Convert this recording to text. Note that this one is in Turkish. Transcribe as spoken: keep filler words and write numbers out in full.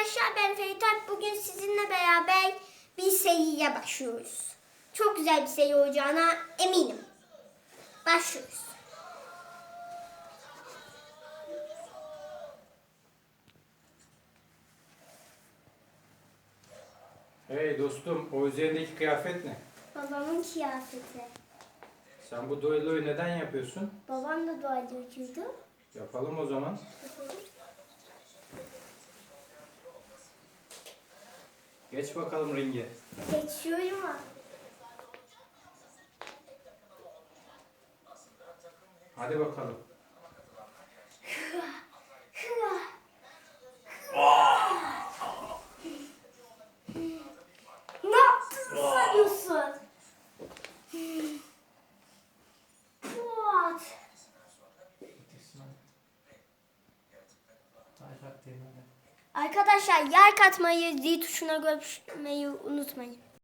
arkadaşlar, ben Feritat. Bugün sizinle beraber bir seriye başlıyoruz. Çok güzel bir seri olacağına eminim. Başlıyoruz. Hey dostum, o üzerindeki kıyafet ne? Babamın kıyafeti. Sen bu duelloyu neden yapıyorsun? Babam da duacıydı. Yapalım o zaman. Geç bakalım ringe. Geçiyorum ha. Hadi bakalım. Ne yaptın sanıyorsun? What? Arkadaşlar yer katmayı, zil tuşuna görmeyi unutmayın.